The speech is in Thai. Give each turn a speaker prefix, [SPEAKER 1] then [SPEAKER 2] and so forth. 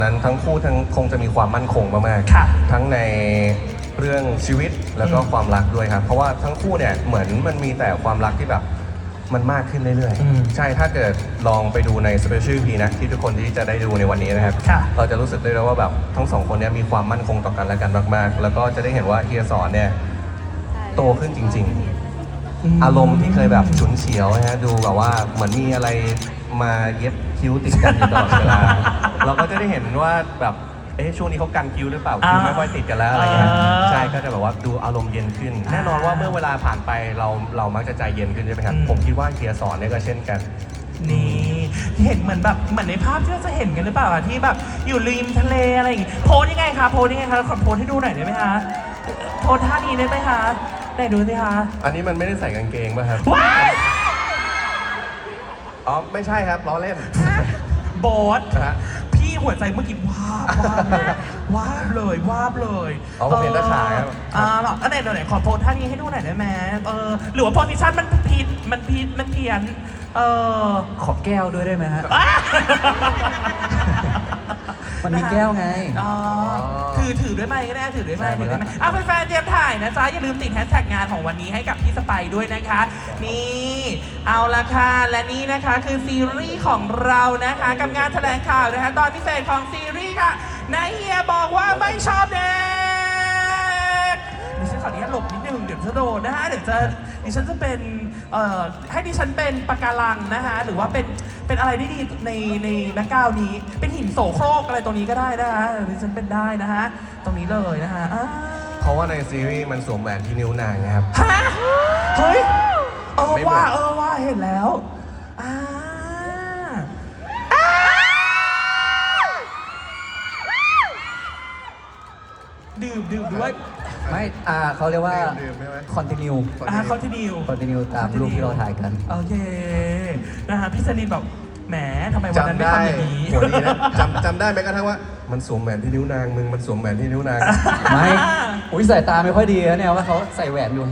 [SPEAKER 1] นั้นทั้งคู่ทั้งคงจะมีความมั่นคงมากๆทั้งในเรื่องชีวิตแล้วก็ความรักด้วยครับเพราะว่าทั้งคู่เนี่ยเหมือนมันมีแต่ความรักที่แบบมันมากขึ้นเรื่อยๆใช่ถ้าเกิดลองไปดูใน Special EP นะที่ทุกคนที่จะได้ดูในวันนี้นะครับเราจะรู้สึกได้แล้วว่าแบบทั้งสองคนเนี่ยมีความมั่นคงต่อกันและกันมากๆแล้วก็จะได้เห็นว่าเฮียสอนเนี่ยโตขึ้นจริงๆอารมณ์ที่เคยแบบฉุนเฉียวนะฮะดูแบบว่าเหมือนมีอะไรมาเย็บคิ้วติดกันอยู่ตลอดเวลาเราก็จะได้เห็นว่าแบบช่วงนี้เขากันคิ้วหรือเปล่าคิ้วไม่ค่อยติดกันแล้วอะไรเงี้ยใช่ก็จะแบบว่าดูอารมณ์เย็นขึ้นแน่นอนว่าเมื่อเวลาผ่านไปเรามักจะใจเย็นขึ้นใช่ไหมครับผมคิดว่าเฮียสอนเนี่ยก็เช่นกัน
[SPEAKER 2] นี่เห็นเหมือนในภาพที่เราจะเห็นกันหรือเปล่าที่แบบอยู่ริมทะเลอะไรอย่างงี้โพสยังไงคะโพสยังไงคะขอโพสให้ดูหน่อยได้ไหมคะโพสท่านี้ได้ไหมคะได้ดูสิคะ
[SPEAKER 1] อันนี้มันไม่ได้ใส่กางเกงป่ะครับอ๋อไม่ใช่ครับล้อเล่น
[SPEAKER 2] โบ๊ทพี่หัวใจเมื่อกี้วาบเลย
[SPEAKER 1] เอาผมเห็นตาขายครับ
[SPEAKER 2] หรอไหนขอโพสท่านี้ให้ดูหน่อยได้ไหมหรือว่าโพสิชั่นมันเพี้ยน
[SPEAKER 3] ขอแก้วด้วยได้ไหมฮะมันมีแก้วไง
[SPEAKER 2] ถือด้วยไหมก็ได้ถือด้วยไหมแฟนๆเตรียมถ่ายนะจ๊ะอย่าลืมติดแฮชแท็กงานของวันนี้ให้กับพี่สไปด้วยนะคะนี่เอาละค่ะและนี่นะคะคือซีรีส์ของเรานะคะกับงานแถลงข่าวนะคะตอนพิเศษของซีรีส์ค่ะนายเฮียบอกว่าไม่ชอบเด็กดิฉันขออนุญาตหลบนิดนึงเดี๋ยวจะโดนนะคะเดี๋ยวดิฉันจะเป็นให้ดิฉันเป็นปะการังนะคะหรือว่าเป็นอะไรที่ดีในแบ็คกราวด์นี้เป็นหินโสโครกอะไรตรงนี้ก็ได้นะคะดิฉันเป็นได้นะคะตรงนี้เลยนะคะ
[SPEAKER 1] เพราะว่าในซีรีส์มันสวมแหวนที่นิ้วนางครับ
[SPEAKER 2] ฮะเฮ้ยว่าเห็นแล้วดื่มด้วย
[SPEAKER 3] ไม่เขาเรียกว่าคอนติเนียตามรูปที่เราถ่ายกัน
[SPEAKER 2] โอเคนะฮะพี่สนิทบอกแหมทำไมวันนั้นไม่ทำอย่างนี้
[SPEAKER 1] จำได้ไหมกระทั่งว่ามันสวมแหวนที่นิ้วนางมึงมันสวมแหวนที่นิ้วนาง
[SPEAKER 3] ไม่สายตาไม่ค่อยดีนะเนี่ยว่าเขาใส่แหวนอยู่